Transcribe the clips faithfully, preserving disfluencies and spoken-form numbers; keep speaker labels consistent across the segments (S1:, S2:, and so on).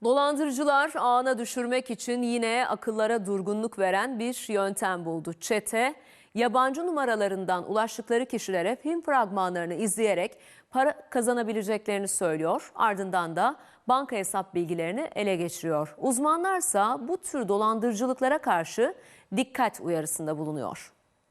S1: Dolandırıcılar ağına düşürmek için yine akıllara durgunluk veren bir yöntem buldu. Çete, yabancı numaralarından ulaştıkları kişilere film fragmanlarını izleyerek para kazanabileceklerini söylüyor. Ardından da banka hesap bilgilerini ele geçiriyor. Uzmanlarsa bu tür dolandırıcılıklara karşı dikkat uyarısında bulunuyor.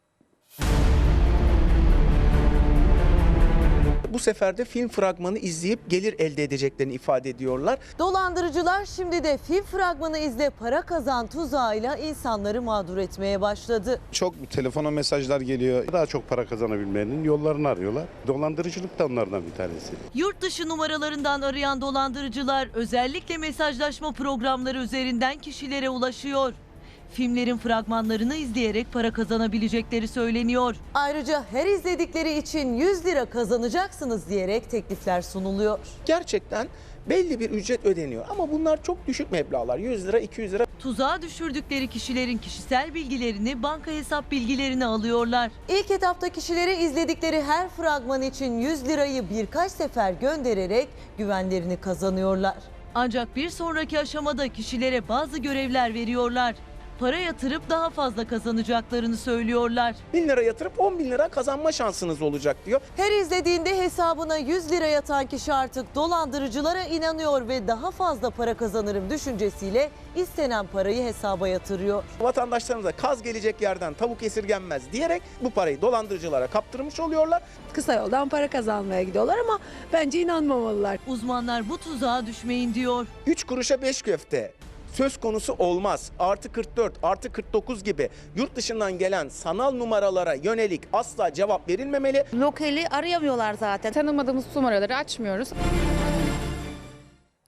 S2: Bu sefer de film fragmanı izleyip gelir elde edeceklerini ifade ediyorlar.
S3: Dolandırıcılar şimdi de film fragmanı izle para kazan tuzağıyla insanları mağdur etmeye başladı.
S4: Çok telefona mesajlar geliyor. Daha çok para kazanabilmenin yollarını arıyorlar. Dolandırıcılık da onlardan bir tanesi.
S3: Yurt dışı numaralarından arayan dolandırıcılar özellikle mesajlaşma programları üzerinden kişilere ulaşıyor. Filmlerin fragmanlarını izleyerek para kazanabilecekleri söyleniyor. Ayrıca her izledikleri için yüz lira kazanacaksınız diyerek teklifler sunuluyor.
S2: Gerçekten belli bir ücret ödeniyor ama bunlar çok düşük meblağlar. yüz lira, iki yüz lira.
S3: Tuzağa düşürdükleri kişilerin kişisel bilgilerini, banka hesap bilgilerini alıyorlar. İlk etapta kişilere izledikleri her fragman için yüz lirayı birkaç sefer göndererek güvenlerini kazanıyorlar. Ancak bir sonraki aşamada kişilere bazı görevler veriyorlar. Para yatırıp daha fazla kazanacaklarını söylüyorlar.
S2: bin lira yatırıp on bin lira kazanma şansınız olacak diyor.
S3: Her izlediğinde hesabına yüz lira yatan kişi artık dolandırıcılara inanıyor ve daha fazla para kazanırım düşüncesiyle istenen parayı hesaba yatırıyor.
S2: Vatandaşlarımıza kaz gelecek yerden tavuk esirgenmez diyerek bu parayı dolandırıcılara kaptırmış oluyorlar.
S5: Kısa yoldan para kazanmaya gidiyorlar ama bence inanmamalılar.
S3: Uzmanlar bu tuzağa düşmeyin diyor.
S2: üç kuruşa beş köfte söz konusu olmaz. Artı kırk dört, artı kırk dokuz gibi yurt dışından gelen sanal numaralara yönelik asla cevap verilmemeli.
S6: Lokali arayamıyorlar zaten.
S7: Tanımadığımız numaraları açmıyoruz.